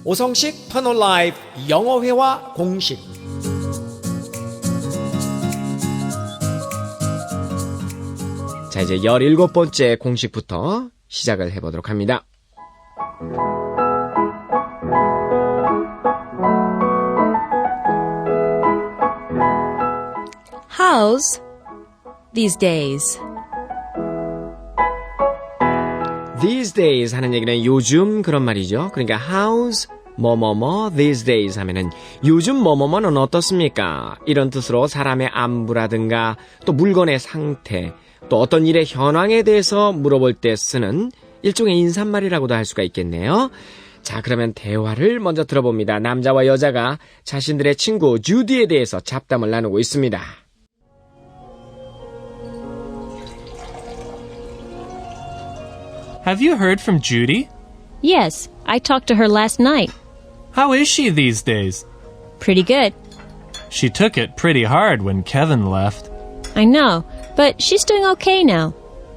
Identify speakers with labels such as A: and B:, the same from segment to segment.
A: 오성식 터널 라이프 영어회화 공식. 자, 이제 17번째 공식부터 시작을 해보도록 합니다.
B: How's these days?
A: These days 하는 얘기는 요즘 그런 말이죠. 그러니까 how's 뭐뭐뭐 these days 하면은 요즘 뭐뭐뭐는 어떻습니까? 이런 뜻으로 사람의 안부라든가 또 물건의 상태, 또 어떤 일의 현황에 대해서 물어볼 때 쓰는 일종의 인사말이라고도 할 수가 있겠네요. 자, 그러면 대화를 먼저 들어봅니다. 남자와 여자가 자신들의 친구 주디에 대해서 잡담을 나누고 있습니다.
C: Have you heard from Judy?
B: Yes, I talked to her last night.
C: How is she these days?
B: Pretty good.
C: She took it pretty hard when Kevin left.
B: I know, but she's doing okay now.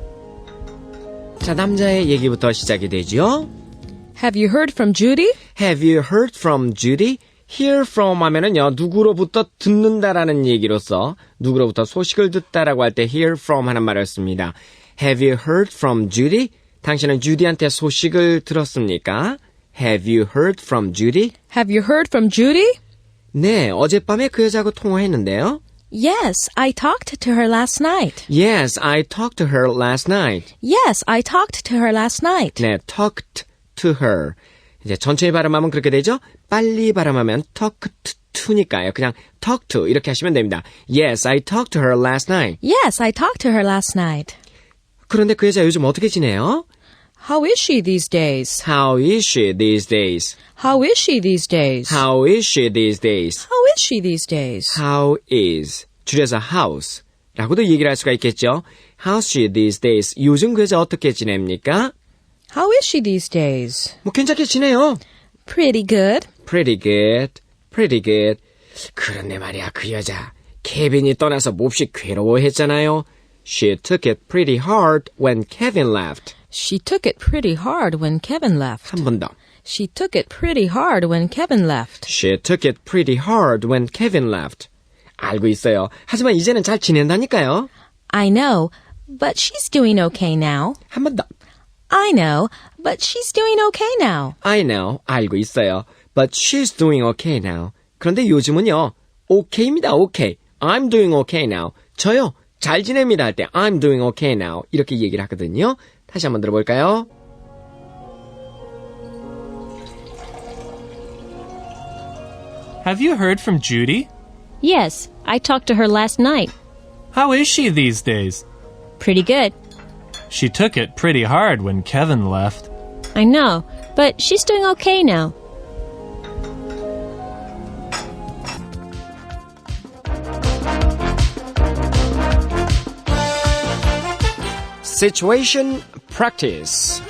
A: 자, 남자의 얘기부터 시작이 되죠.
D: Have you heard from Judy?
A: Have you heard from Judy? Hear from 하면은요, 누구로부터 듣는다라는 얘기로서 누구로부터 소식을 듣다라고 할 때 hear from 하는 말을 씁니다. Have you heard from Judy? 당신은 주디한테 소식을 들었습니까? Have you heard from Judy?
D: Have you heard from Judy?
A: 네, 어젯밤에 그 여자하고 통화했는데요.
D: Yes, I talked to her last night.
A: Yes, I talked to her last night.
D: Yes, I talked to her last night.
A: 네, talked to her. 이제 천천히 발음하면 그렇게 되죠? 빨리 발음하면 talked to니까요. 그냥 talk to 이렇게 하시면 됩니다. Yes, I talked to her last night.
D: Yes, I talked to her last night.
A: 그런데 그 여자 요즘 어떻게 지내요?
D: How is she these days?
A: How is she these days?
D: How is she these days?
A: How is she these days?
D: How is she these days?
A: How is 줄여서 house 라고도 얘기를 할 수가 있겠죠. How's she these days? 요즘 그 여자 어떻게 지냅니까?
D: How is she these days?
A: 뭐 괜찮게 지내요.
D: Pretty good.
A: Pretty good. Pretty good. 그런데 말이야, 그 여자 케빈이 떠나서 몹시 괴로워했잖아요. She took it pretty hard when Kevin left.
D: She took it pretty hard when Kevin left.
A: 한 번 더.
D: She took it pretty hard when Kevin left.
A: She took it pretty hard when Kevin left. 알고 있어요. 하지만 이제는 잘 지낸다니까요.
D: I know, but she's doing okay now.
A: 한 번 더.
D: I know, but she's doing okay now.
A: I know. 알고 있어요. But she's doing okay now. 그런데 요즘은요. okay입니다. okay. I'm doing okay now. 저요. 잘 지냅니다 할 때 I'm doing okay now. 이렇게 얘기를 하거든요. 다시 한번 들어볼까요?
C: Have you heard from Judy?
B: Yes, I talked to her last night.
C: How is she these days?
B: Pretty good.
C: She took it pretty hard when Kevin left.
B: I know, but she's doing okay now.
A: Situation practice.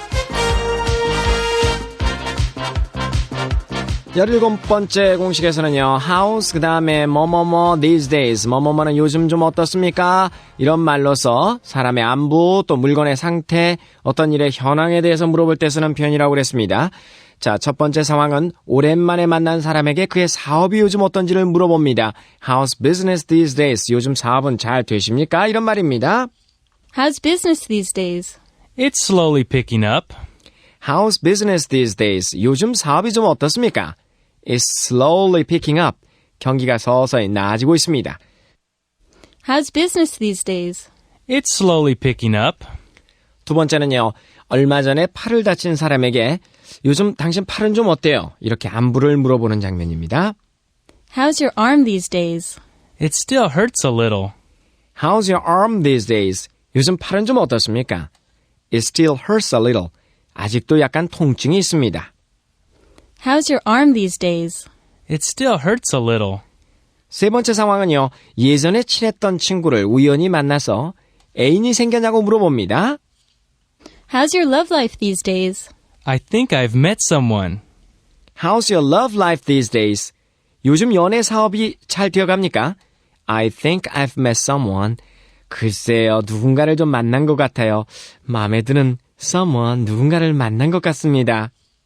A: 17번째 공식에서는요. How's 그 다음에 뭐뭐뭐 these days 뭐뭐뭐는 요즘 좀 어떻습니까? 이런 말로서 사람의 안부 또 물건의 상태 어떤 일의 현황에 대해서 물어볼 때 쓰는 표현이라고 그랬습니다. 자, 첫 번째 상황은 오랜만에 만난 사람에게 그의 사업이 요즘 어떤지를 물어봅니다. How's business these days? 요즘 사업은 잘 되십니까? 이런 말입니다.
B: How's business these days?
C: It's slowly picking up.
A: How's business these days? 요즘 사업이 좀 어떻습니까? It's slowly picking up. 경기가 서서히 나아지고 있습니다.
B: How's business these days?
C: It's slowly picking up.
A: 두 번째는요. 얼마 전에 팔을 다친 사람에게 요즘 당신 팔은 좀 어때요? 이렇게 안부를 물어보는 장면입니다.
B: How's your arm these days?
C: It still hurts a little.
A: How's your arm these days? 요즘 팔은 좀 어떻습니까? It still hurts a little. 아직도 약간 통증이 있습니다.
B: How's your arm these days?
C: It still hurts a little.
A: 세 번째 상황은요. 예전에 친했던 친구를 우연히 만나서 애인이 생겼냐고 물어봅니다.
B: How's your love life these days?
C: I think I've met someone.
A: How's your love life these days? 요즘 연애 사업이 잘 되어갑니까? I think I've met someone. 글쎄요, 누군가를 좀 만난 것 같아요. 마음에 드는 someone, 누군가를 만난 것 같습니다.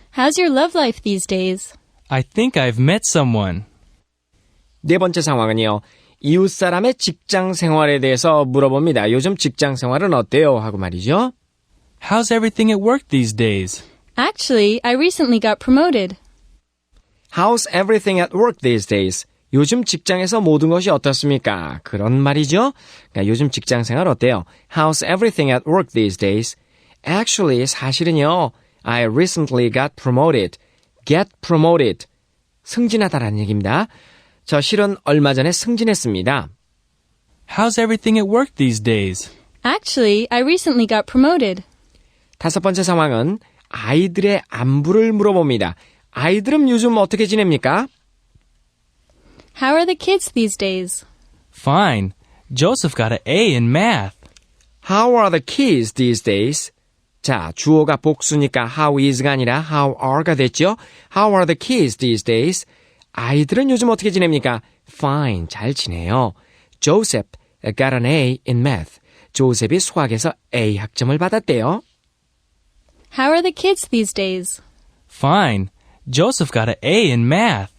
B: How's your love life these days?
E: I think I've met someone.
A: 네 번째 상황은요. 이웃 사람의 직장 생활에 대해서 물어봅니다. 요즘 직장 생활은 어때요? 하고 말이죠.
E: How's everything at work these days?
B: Actually, I recently got promoted.
A: How's everything at work these days? 요즘 직장에서 모든 것이 어떻습니까? 그런 말이죠. 그러니까 요즘 직장 생활 어때요? How's everything at work these days? Actually, 사실은요. I recently got promoted. Get promoted. 승진하다라는 얘기입니다. 저 실은 얼마 전에 승진했습니다.
E: How's everything at work these days?
B: Actually, I recently got promoted.
A: 다섯 번째 상황은 아이들의 안부를 물어봅니다. 아이들은 요즘 어떻게 지냅니까?
B: How are the kids these days?
E: Fine. Joseph got an A in math.
A: How are the kids these days? 자, 주어가 복수니까 how is가 아니라 how are가 됐죠? How are the kids these days? 아이들은 요즘 어떻게 지냅니까? Fine, 잘 지내요. Joseph got an A in math. 조셉이 수학에서 A 학점을 받았대요.
B: How are the kids these days?
E: Fine. Joseph got an A in math.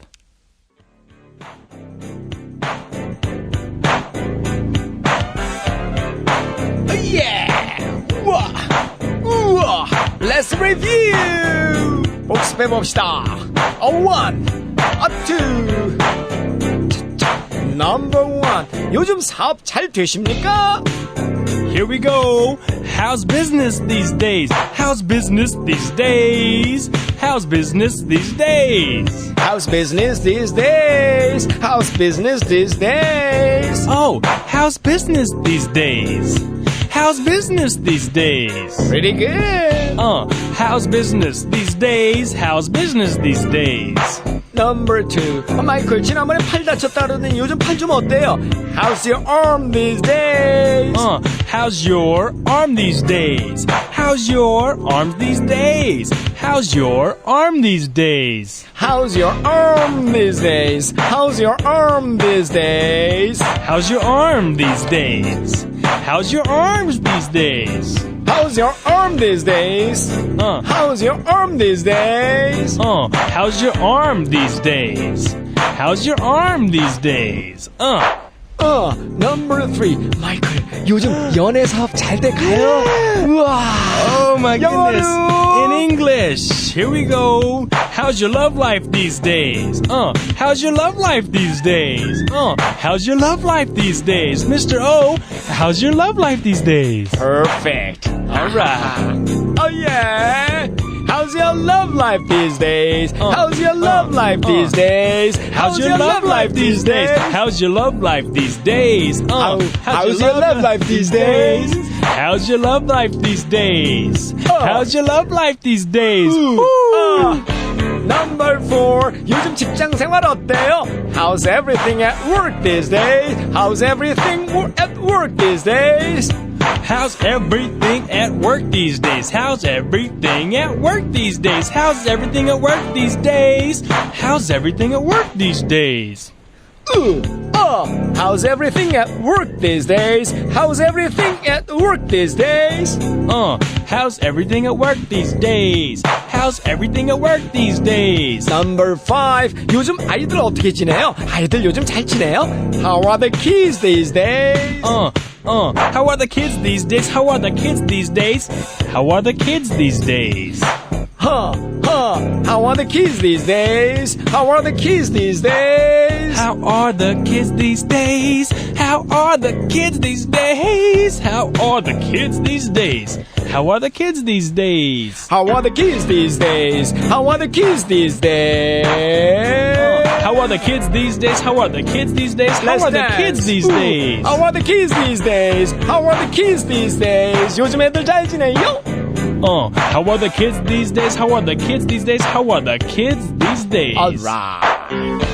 A: 우와! Let's review! 복습해봅시다. One, two. Number one. 요즘 사업 잘 되십니까?
C: Here we go. How's business these days? How's business these days? How's business these days?
A: How's business these days? How's business these days?
C: Oh, how's business these days? How's business these days?
A: Pretty good.
C: How's business these days? How's business these days?
A: Number two. 마이클 지난번에 팔 다쳤다 그러더니 요즘 팔 좀 어때요? How's your arm these days?
C: How's your arm these days? How's your arm these days? How's your arm these days?
A: How's your arm these days? How's your arm these days?
C: How's your arm these days? How's your arms these days?
A: How's your arm these days? How's your arm these days?
C: How's your arm these days? How's your arm these days?
A: Number three. 마이클, 요즘 연애 사업 잘 돼가요? 우와.
C: Oh my goodness.
A: 영어로.
C: In English. Here we go. How's your love life these days? How's your love life these days? How's your love life these days? Mr. O, how's your love life these days?
A: Perfect.
C: All right.
A: Oh yeah. How's your love life these days? How's your love life these days?
C: How's your love life these days? How's your love life these days?
A: How's your love life these days?
C: How's your love life these days? How's your love life these days?
A: Number four. 요즘 직장 생활 어때요? How's everything at work these days? How's everything at work these days?
C: How's everything at work these days? How's everything at work these days? How's everything at work these days? How's everything at work these days?
A: How's everything at work these days? How's everything at work these days?
C: How's everything at work these days? How's everything at work these days?
A: Number five. 요즘 아이들 어떻게 지내요? 아이들 요즘 잘 지내요? How are the kids these days?
C: How are the kids these days? How are the kids these days? How are the kids these days?
A: How are the kids these days? How are the kids these days?
C: How are the kids these days? How are the kids these days? How are the kids these days? How are the kids these days?
A: How are the kids these days? How are the kids these days?
C: How are the kids these days? How are the kids these days? How
A: Let's
C: are the
A: dance.
C: kids these days?
A: How are the kids these days? How are the kids these days? 요즘 애들 잘 지내요?
C: How are the kids these days? How are the kids these days? How are the kids these days?
A: Alright.